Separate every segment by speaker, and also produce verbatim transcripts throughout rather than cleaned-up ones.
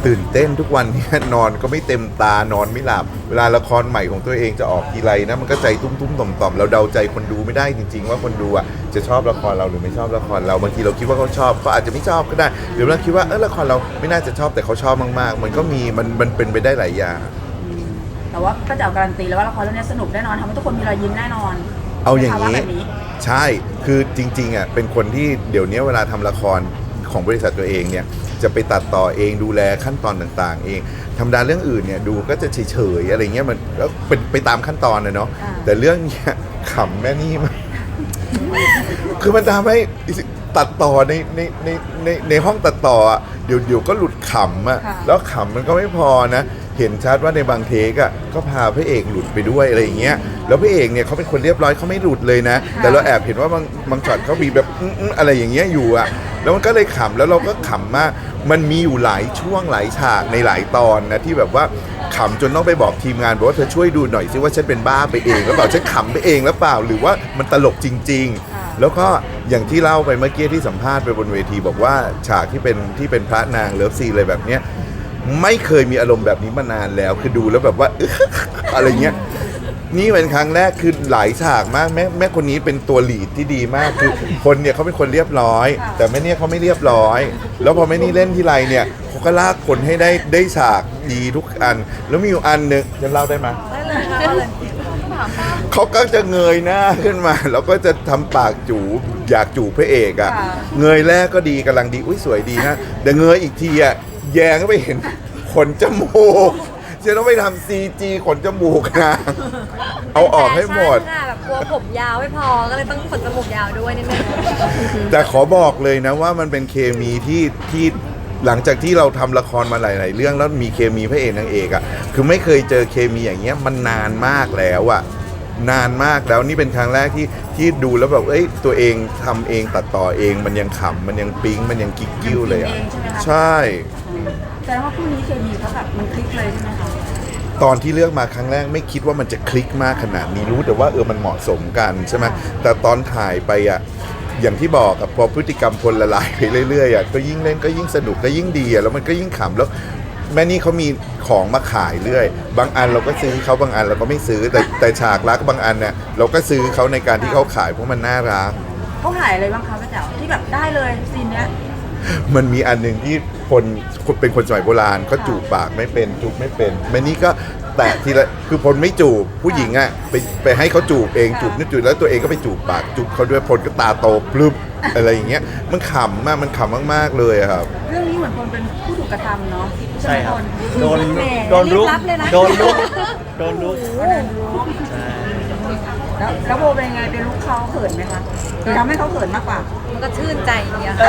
Speaker 1: ตื่นเต้นทุกวันนี้นอนก็ไม่เต็มตานอนไม่หลับเวลาละครใหม่ของตัวเองจะออกทีไรนะมันก็ใจตุ้มๆต่อมๆเราเดาใจคนดูไม่ได้จริงๆว่าคนดูอ่ะจะชอบละครเราหรือไม่ชอบละครเราบางทีเราคิดว่าเขาชอบเขาอาจจะไม่ชอบก็ได้หรือเราคิดว่าเออละครเราไม่น่าจะชอบแต่เขาชอบมากๆมันก็มีมันมันเป็นไปได้หลายอย่าง
Speaker 2: แต่ว่าก็จะเอาการันตีแล้วว่าละครเรื่องนี้สนุกแน่นอนทำให้ทุกคนมีรอยยิ้มแน่นอน
Speaker 1: เอาอย่างนี้ใช่คือจริงๆอ่ะเป็นคนที่เดี๋ยวนี้เวลาทำละครของบริษัทตัวเองเนี่ยจะไปตัดต่อเองดูแลขั้นตอนต่างๆเองธรรมดาเรื่องอื่นเนี่ยดูก็จะเฉยๆอะไรเงี้ยมันก็เป็นไปตามขั้นตอนนะเนาะแต่เรื่องเนี้ยขำแม่นี่มันคือมันทำให้ตัดต่อในในในในในห้องตัดต่ออ่ะเดี๋ยวเดี๋ยวก็หลุดขำอ่ะแล้วขำมันก็ไม่พอนะเห็นชัดว่าในบางเทคอ่ะก็พาพระเอกหลุดไปด้วยอะไรอย่างเงี้ยแล้วพระเอกเนี่ยเขาเป็นคนเรียบร้อยเขาไม่หลุดเลยนะแต่เราแอบเห็นว่าบางบางช็อตเขามีแบบอื้ออะไรอย่างเงี้ยอยู่อ่ะแล้วมันก็เลยขำแล้วเราก็ขำมากมันมีอยู่หลายช่วงหลายฉากในหลายตอนนะที่แบบว่าขำจนต้องไปบอกทีมงานบอกว่าเธอช่วยดูหน่อยซิว่าฉันเป็นบ้าไปเองหรือเปล่าฉันขำไปเองหรือเปล่าหรือว่ามันตลกจริงๆแล้วก็อย่างที่เล่าไปเมื่อกี้ที่สัมภาษณ์ไปบนเวทีบอกว่าฉากที่เป็นที่เป็นพระนางเลิฟซีนอะไรแบบเนี้ยไม่เคยมีอารมณ์แบบนี้มานานแล้วคือดูแล้วแบบว่า อะไรเงี้ยนี่เป็นครั้งแรกคือหลายฉากมากแม่แม่คนนี้เป็นตัวลีดที่ดีมากคือคนเนี่ยเขาเป็นคนเรียบร้อยแต่แม่เนี่ยเขาไม่เรียบร้อยแล้วพอแม่นี่เล่นที่ไรเนี่ยเขาก็ลากคนให้ได้ได้ฉากดีทุกอันแล้วมีอยู่อันหนึ่งจะเล่าได้ไหมได้เลยค่ะเขาก็จะเงยหน้าขึ้นมาแล้วก็จะทำปากจูบอยากจูบพระเอกอ่ะเงยแรกก็ดีกำลังดีอุ้ยสวยดีนะแต่เงยอีกทีอ่ะแยงก็ไปเห็นขนจมูกจะต้องไปทำซีจีขนจมูกนะเอาออกให้หมด
Speaker 3: แบบกลัวผมยาวไม่พอก็เลยต้องขนจมูกยาวด้วยนิดนึง
Speaker 1: แต่ขอบอกเลยนะว่ามันเป็นเคมีที่ที่หลังจากที่เราทำละครมาหลายๆเรื่องแล้วมีเคมีพระเอกนางเอกอ่ะคือไม่เคยเจอเคมีอย่างเงี้ยมันนานมากแล้วอ่ะนานมากแล้วนี่เป็นครั้งแรกที่ที่ดูแล้วแบบเอ้ยตัวเองทำเองตัดต่อเองมันยังขำมันยังปิ๊งมันยังกิ๊กกิ้วเลยอ่ะใช่
Speaker 2: แต่ว่าคู่นี้เคมีเขาแบบมันคลิกเลยใช่ไหมคะ
Speaker 1: ตอนที่เลือกมาครั้งแรกไม่คิดว่ามันจะคลิกมากขนาดนี้รู้แต่ว่าเออมันเหมาะสมกันใช่ไหมแต่ตอนถ่ายไปอ่ะอย่างที่บอกอะพอพฤติกรรมคนละลายไปเรื่อยๆอ่ะก็ยิ่งเล่นก็ยิ่งสนุกก็ยิ่งดีอ่ะแล้วมันก็ยิ่งขำแล้วแม่นี่เขามีของมาขายเรื่อยบางอันเราก็ซื้อเขาบางอันเราก็ไม่ซื้อแต่แต่ฉากรักบางอันเนี่ยเราก็ซื้อเขาในการที่เขาขายเพราะมันน่ารัก
Speaker 2: เขาขายอะไรบ้างคะพระเจ้าที่แบบได้เลยซีนเนี้ย
Speaker 1: มันมีอันหนึ่งที่คนเป็นคนสมัยโบราณเขาจูบปากไม่เป็นจูบไม่เป็นแม่นี่ก็แตะทีละคือพลไม่จูบผู้หญิงอ่ะไปไปให้เขาจูบเองจูบนี่จูบแล้วตัวเองก็ไปจูบปากจูบเขาด้วยพลก็ตาโตปลื้มอะไรอย่างเงี้ยมันขำมากมันขำมากๆเลยครับ
Speaker 2: เรื่องนี้เหมือนพลเป็นผู้ถูกกระทำเนาะ
Speaker 4: ใช่ครับโดนโดนลุกโดนลุกโดนลุกใช่
Speaker 2: แล้วแล้วโบเป็นไงเป็นลูกเขาเขินไหมคะหรือทำให้เขาเขินมากกว่า
Speaker 3: มันก็ชื่นใจเงี้ย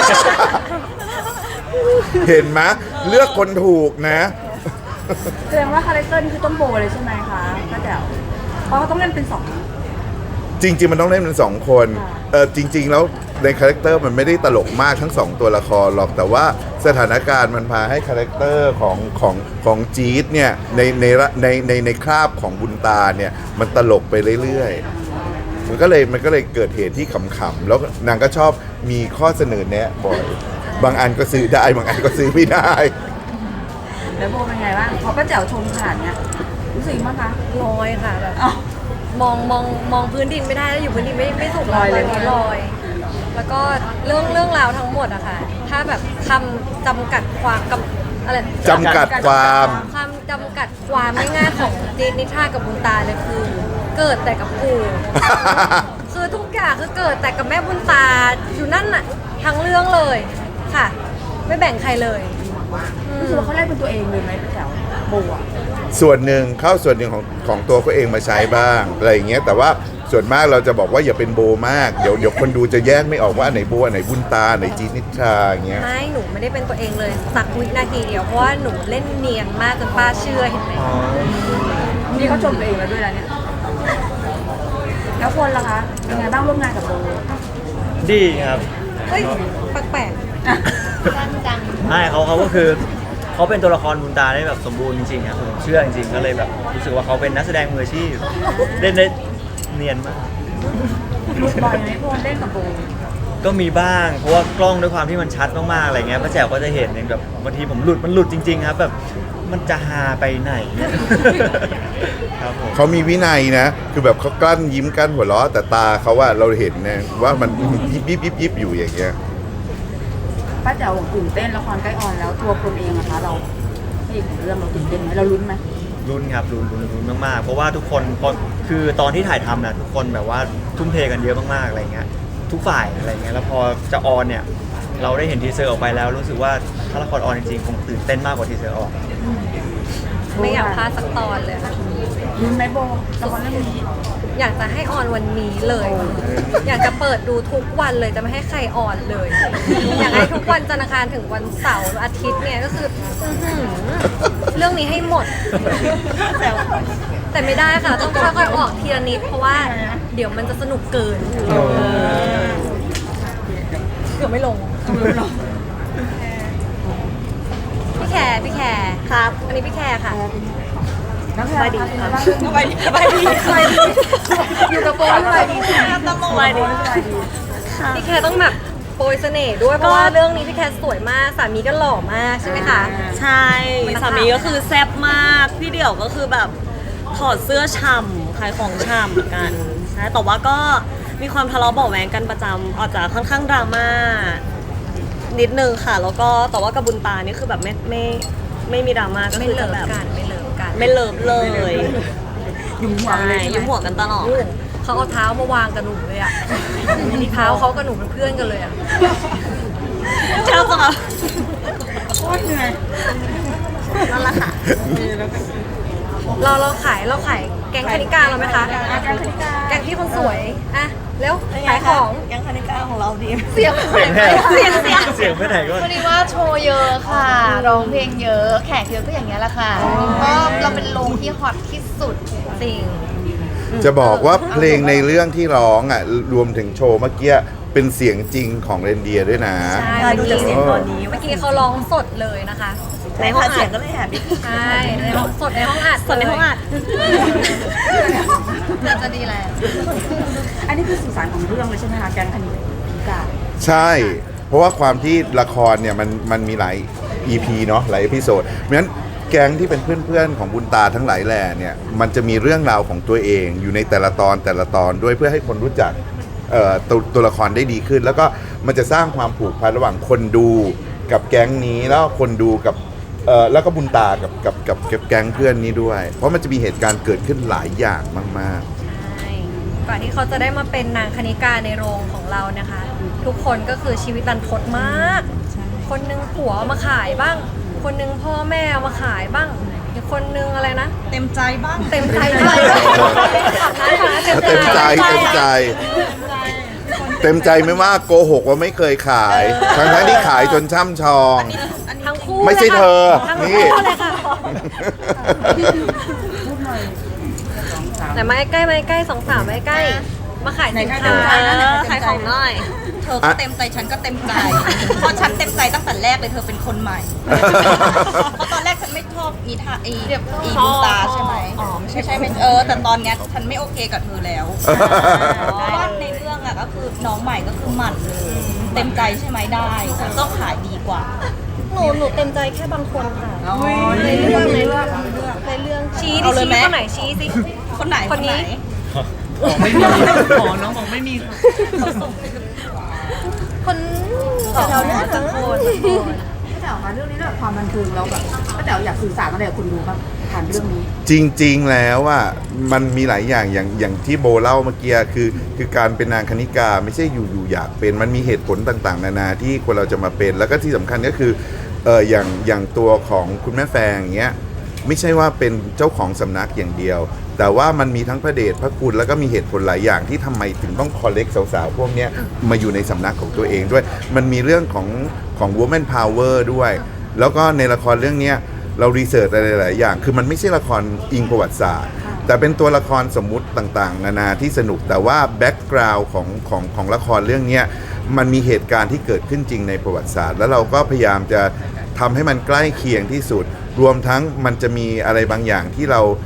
Speaker 1: เห็นไหมเลือกคนถูกนะ
Speaker 2: แสดงว่าคาแรคเตอร์นี่คือต้องโบเลยใช่ไหมคะพระเจ้าเพราะเขาต้องเล่นเป็นสอง
Speaker 1: จริงๆมันต้องเล่นเป็นสองคนเออจริงๆแล้วในคาแรคเตอร์มันไม่ได้ตลกมากทั้งสองตัวละครหรอกแต่ว่าสถานการณ์มันพาให้คาแรคเตอร์ของของของจี๊ดเนี่ยในในในในในคราบของบุญตาเนี่ยมันตลกไปเรื่อยๆมันก็เลยมันก็เลยเกิดเหตุที่ขำๆแล้วนางก็ชอบมีข้อเสนอแนะบ่อยบางอันก็ซื้อได้บางอันก็ซื้อไม่ได้
Speaker 2: แล้วโบเป็นไงบ้างพอป้าแจ๋วชมขนาดเนี้ยรู้สึกมั้งคะ
Speaker 3: ลอยค่ะแบบมองมองมองพื้นดินไม่ได้แล้วอยู่พื้นดินไม่ไม่สุก
Speaker 2: ลอยเลย
Speaker 3: ลอยแล้วก็เรื่องเรื่องราวทั้งหมดอะค่ะถ้าแบบคำจำกัดความกับอะไร
Speaker 1: จำกัดความ
Speaker 3: คำจำกัดความง่ายๆของจีนนิทรากับบุญตาเลยคือเกิดแต่กับกูคือทุกอย่างคือเกิดแต่กับแม่บุญตาอยู่นั่นน่ะทั้งเรื่องเลยค่ะไม่แบ่งใครเลย
Speaker 2: รู้สึกว่าเขาเล่นเป็นตัวเองเลยไหมพี่แจ๋วโบอ่ะ
Speaker 1: ส่วนหนึ่งเข้าส่วนหนึ่งของของตัวเขาเองมาใช้บ้างอะไรอย่างเงี้ยแต่ว่าส่วนมากเราจะบอกว่าอย่าเป็นโบมากเดี๋ยวเดี๋ยวคนดูจะแยกไม่ออกว่าไหนโบไหนบุญตาไหนจีนิชาอย่างเงี้ย
Speaker 3: ไม่หนูไม่ได้เป็นตัวเองเลยสักวินาทีเดียวเพราะว่าหนูเล่นเนียนมากจนป้าเชื่อเห็นไหม
Speaker 2: นี่เขาชมตัวเองแล้วด้วยแล้วเนี่ยแล้วคนล่ะคะเป็นไงบ้างร่วมงานกับโบ
Speaker 4: ดีครับ
Speaker 3: เฮ้ยแปลกๆจังจัง
Speaker 4: ใช่เขาเขาก็คือเขาเป็นตัวละครบุญตาได้แบบสมบูรณ์จริงๆครับผมเชื่อจริงๆก็เลยแบบรู้สึกว่าเขาเป็นนักแสดงมืออาชีพเล่นได้เนียนมาก
Speaker 2: รู้บ่อยไหมพลเล่นกับโบ
Speaker 4: ก็มีบ้างเพราะว่ากล้องด้วยความที่มันชัดมากๆอะไรเงี้ยป้าแจ๋วก็จะเห็นอย่างแบบบางทีผมหลุดมันหลุดจริงๆครับแบบมันจะฮาไปไหน ครับผม
Speaker 1: เขามีวินัยนะ คือแบบเขากลั้นยิ้มกลั้นหัวเราะแต่ตาเขาว่าเราเห็นนะว่ามันยิบยิบยิบยิบอยู่อย่างเงี้ย
Speaker 2: ป้าแจ๋วตื่นเต้นละครใกล้ออนแล้วตัวคนเองนะคะเราเอกของเรื่องเราตื่นเต้นไหมเราลุ้นไหม
Speaker 4: ลุ้นครับลุ้นลุ้นลุ้นมากๆเพราะว่าทุกคนพอคือตอนที่ถ่ายทำนะทุกคนแบบว่าทุ่มเทกันเยอะมากๆอะไรเงี้ยทุกฝ่ายอะไรเงี้ยแล้วพอจะออนเนี่ยเราได้เห็นทีเซอร์ออกไปแล้วรู้สึกว่าถ้าละครออนจริงๆคงตื่นเต้นมากกว่าทีเซอร์ออก
Speaker 3: ไม่อยากพลาดสักตอนเลยค่ะ
Speaker 2: ลุ้นไหมโบละครเรื่องนี้
Speaker 3: อยากจะให้ออนวันนี้เลย อยากจะเปิดดูทุกวันเลยจะไม่ให้ใครออนเลย อยากให้ทุกวันจันทร์อังคารถึงวันเสาร์อาทิตย์เนี่ยก็คืออื้อหือเรื่องนี้ให้หมด แต่ไม่ได้ค่ะต้องค่อยๆออกทีละนิดเพราะว่าเดี๋ยวมันจะสนุกเกินเกือบไม่ลงพี่แคร์พี่แคร์ครับอันนี้พี่แคร์ค่ะ
Speaker 2: น้องแพรดีครับสบายดีสบายดีสบายดีอยู่กับโบสบายดีต้องสบายดี
Speaker 3: พี่แคร์ต้องแบบโปรยเสน่ห์ด้วยเพราะว่าเรื่องนี้พี่แคร์สวยมากสามีก็หล่อมากใช่ไหมคะ
Speaker 5: ใช่สามีก็คือแซ่บมากพี่เดี่ยวก็คือแบบถอดเสื้อฉ่ำขายของฉ่ำเหมือนกันใช่แต่ว่าก็มีความทะเลาะเบาะแว้งกันประจำอาจจะค่อนข้างดราม่านิดนึงค่ะ แล้วก็แต่ว่ากับบุญตานี่คือแบบไม่ไม่ไม่มีดราม่าก็
Speaker 3: ไม่
Speaker 5: คือ
Speaker 3: เลิ
Speaker 5: จะ
Speaker 3: ก
Speaker 5: แบบ
Speaker 3: กันไม่เลิกกัน
Speaker 5: ไม่เลิฟเลย
Speaker 2: ยุ่งหัว
Speaker 5: ใช่
Speaker 2: เลยใช่ไหม
Speaker 5: ยุ่งหัวกันตลอด
Speaker 3: เขาเอาเท้ามาวางกับหนูเลยอะเท้าเขากับหนูเป็นเพื่อนกันเลยอะ
Speaker 5: เจ้าค่ะ
Speaker 2: โคตรเหนื่อย
Speaker 5: นั่นแหละค่ะ
Speaker 3: เราเราขายเราขายแกงคณิกาเราไหมคะ
Speaker 2: อาการคณิกา
Speaker 3: แกงพี่คนสวยอะเร็วขายของ
Speaker 5: ยังคณิกาของเราดี
Speaker 3: เสียง
Speaker 4: เสียงแหบ
Speaker 3: เสียงเสียง
Speaker 4: เสียงไปไหนก็
Speaker 6: พอดีว่าโชว์เยอะค่ะ ร้องเพลงเยอะ แขกเยอะก็อย่างเงี้ยแหละค่ะก็เราเป็นโรงที่ฮอตที่สุด
Speaker 3: จริง
Speaker 1: จะบอกว่าเพลงในเรื่องที่ร้องอ่ะรวมถึงโชว์เมื่อกี้เป็นเสียงจริงของเรนเดียร์ด้วยนะ
Speaker 3: ใช่
Speaker 5: ดูจากเสียงตอนนี้
Speaker 3: เมื่อกี้เขาร้องสดเลยนะคะ
Speaker 5: ในห้องเสียงก็เลยแหบนิด
Speaker 3: ใช่ในห้องสดในห้องอัด
Speaker 5: สดในห้องอัด
Speaker 6: จะจะดีแล้ว
Speaker 2: อันนี้คือสื่อสารของเรื่องเลยใช่ไหมคะแกงคณิกา
Speaker 1: ใช่ เพราะว่าความที่ละครเนี่ยมันมันมีหลาย อี พี เนาะหลายเอพิโซดเพราะฉะนั้นแก๊งที่เป็นเพื่อนๆของบุญตาทั้งหลายแหล่เนี่ยมันจะมีเรื่องราวของตัวเองอยู่ในแต่ละตอนแต่ละตอนด้วยเพื่อให้คนรู้จักเอ่อตัวตัวละครได้ดีขึ้น แล้วก็มันจะสร้างความผูกพันระหว่างคนดูกับแก๊งนี้แล้วคนดูกับเอ่อแล้วก็บุญตากับกับกับกับแก๊งเพื่อนนี้ด้วย เพราะมันจะมีเหตุการณ์เกิดขึ้นหลายอย่างมากๆ
Speaker 3: ใช่ก่อนที่เขาจะได้มาเป็นนางคณิกาในโรงของเรานะคะ ทุกคนก็คือชีวิตรันทดมาก คนหนึงผัวเอามาขายบ้าง คนหนึงพ่อแม่เอามาขายบ้างอีกคนหนึงอะไรนะ
Speaker 5: เต็มใจบ้าง
Speaker 3: เต็มใจบ้างเต็ม
Speaker 1: เต็มใจ
Speaker 3: ใจ
Speaker 1: เต็มใจ เต็มใจไม่มากโกหกว่าไม่เคยขาย ทั้งทั้งๆที่ขายจนช่ำชอง
Speaker 3: ทั้งคู่
Speaker 1: ไม่ใช่
Speaker 3: ลยค่ะ
Speaker 1: เธอ
Speaker 3: ทั้ง
Speaker 1: นี่
Speaker 3: คู่เลยค่ะแต่มาใกล้มาใกล้สองสาวมาใกล้มาขายสินค้า
Speaker 5: ขายของหน่อย
Speaker 7: เธอก็เต็มใจฉันก็เต็มใจ เพราะฉันเต็มใจตั้งแต่แรกเลยเธอเป็นคนใหม่ เพราะตอนแรกฉันไม่ชอบอีทาอีอีบุญตาใช่ไหมอ๋อไม่ใช่ใช่ไม่เออแต่ตอนเนี้ยฉันไม่โอเคกับเธอแล้วเพราะว่าในเรื่องอะก็คือน้องใหม่ก็คือหมั่นเลยเต็มใจใช่ไหมได้ฉันต้องขายดีกว่า
Speaker 3: หนูหนูเต็มใจแค่บางคนค่ะในเรื่องในเรื่องในเรื่องชี้
Speaker 7: เอา
Speaker 3: ดิ
Speaker 7: เลย
Speaker 3: ชี้
Speaker 7: ไหม
Speaker 3: คนไหนชี้สิ
Speaker 7: คนไหน
Speaker 3: คนนี้
Speaker 7: ไห
Speaker 4: ของไม่มีขอน้องของไม่มี
Speaker 3: คนเราเนี่ยสักคนสักคน
Speaker 2: ป้าแจ๋วคะเรื่องนี้เรื่องความบันเทิงเราแบบป้าแจ๋วอยากสื่อสารอะไรกับคนดูบ้างผ่านเรื่องนี้
Speaker 1: จริงๆ แล้วว่ามันมีหลายอย่างอย่างอย่างที่โบเล่าเมื่อกี้คือคือการเป็นนางคณิกาไม่ใช่อยู่ๆอยากเป็นมันมีเหตุผลต่างๆ นานาที่คนเราจะมาเป็น แล้วก็ที่สำคัญก็คือเอออย่างอย่างตัวของคุณแม่แฟงอย่างเงี้ยไม่ใช่ว่าเป็นเจ้าของสำนักอย่างเดียว แต่ว่ามันมีทั้งพระเดชพระคุณแล้วก็มีเหตุผลหลายอย่างที่ทำไมถึงต้องคอลเลกสาวๆพวกเนี้ยมาอยู่ในสำนักของตัวเองด้วยมันมีเรื่องของของ woman power ด้วย แล้วก็ในละครเรื่องเนี้ยเรารีเสิร์ชอะไรหลายอย่าง คือมันไม่ใช่ละครอิงประวัติศาสตร์ แต่เป็นตัวละครสมมุติต่างๆ นานาที่สนุก แต่ว่าแบ็กกราวน์ของของของละครเรื่องเนี้ยมันมีเหตุการณ์ที่เกิดขึ้นจริงในประวัติศาสตร์ แล้วเราก็พยายามจะทำให้มันใกล้เคียงที่สุด รวมทั้งมันจะมีอะไรบางอย่างที่เรา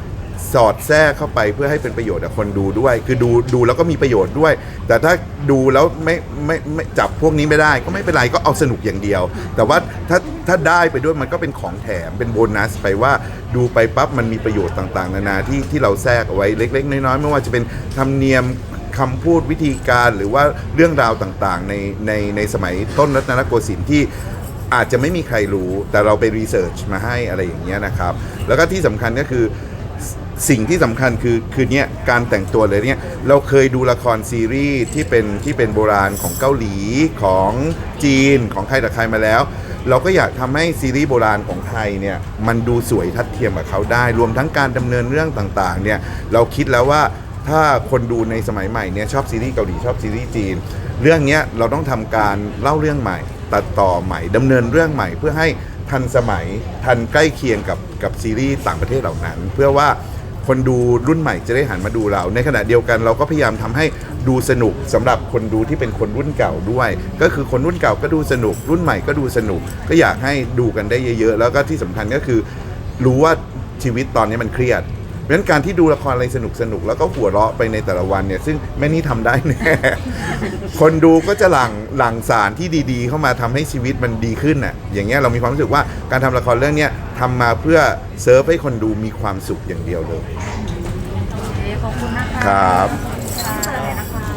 Speaker 1: สอดแทรกเข้าไปเพื่อให้เป็นประโยชน์กับคนดูด้วย คือดูดูแล้วก็มีประโยชน์ด้วย แต่ถ้าดูแล้วไม่ไม่ไม่จับพวกนี้ไม่ได้ก็ไม่เป็นไรก็เอาสนุกอย่างเดียว แต่ว่าถ้าถ้าได้ไปด้วยมันก็เป็นของแถมเป็นโบนัสไปว่าดูไปปั๊บมันมีประโยชน์ต่างๆนานาที่ที่เราแทรกเอาไว้เล็กๆน้อยๆไม่ว่าจะเป็นธรรมเนียมคำพูดวิธีการหรือว่าเรื่องราวต่างๆในในในสมัยต้นรัตนโกสินทร์ที่อาจจะไม่มีใครรู้แต่เราไปรีเสิร์ชมาให้อะไรอย่างเงี้ยนะครับแล้วก็ที่สำคัญก็คือสิ่งที่สำคัญคือคือเนี้ยการแต่งตัวเลยเนี่ยเราเคยดูละครซีรีส์ที่เป็นที่เป็นโบราณของเกาหลีของจีนของใครแต่ใครมาแล้วเราก็อยากทำให้ซีรีส์โบราณของไทยเนี่ยมันดูสวยทัดเทียมกับเขาได้รวมทั้งการดำเนินเรื่องต่างๆเนี่ยเราคิดแล้วว่าถ้าคนดูในสมัยใหม่เนี่ยชอบซีรีส์เกาหลีชอบซีรีส์จีนเรื่องนี้เราต้องทำการเล่าเรื่องใหม่ตัดต่อใหม่ดำเนินเรื่องใหม่เพื่อให้ทันสมัยทันใกล้เคียงกับกับซีรีส์ต่างประเทศเหล่านั้นเพื่อว่าคนดูรุ่นใหม่จะได้หันมาดูเราในขณะเดียวกันเราก็พยายามทำให้ดูสนุกสำหรับคนดูที่เป็นคนรุ่นเก่าด้วยก็คือคนรุ่นเก่าก็ดูสนุกรุ่นใหม่ก็ดูสนุกก็อยากให้ดูกันได้เยอะๆแล้วก็ที่สำคัญก็คือรู้ว่าชีวิตตอนนี้มันเครียดเพราะฉะนั้นการที่ดูละครอะไรสนุกสนุกแล้วก็หัวเราะไปในแต่ละวันเนี่ยซึ่งแม่นี่ทำได้แน่ คนดูก็จะหลั่งหลั่งสารที่ดีๆเข้ามาทำให้ชีวิตมันดีขึ้นน่ะอย่างเงี้ยเรามีความรู้สึกว่าการทำละครเรื่องเนี้ยทำมาเพื่อเซิร์ฟให้คนดูมีความสุขอย่างเดียวเลย
Speaker 2: ขอบคุณนะคะ
Speaker 1: ครับ
Speaker 2: ค่ะ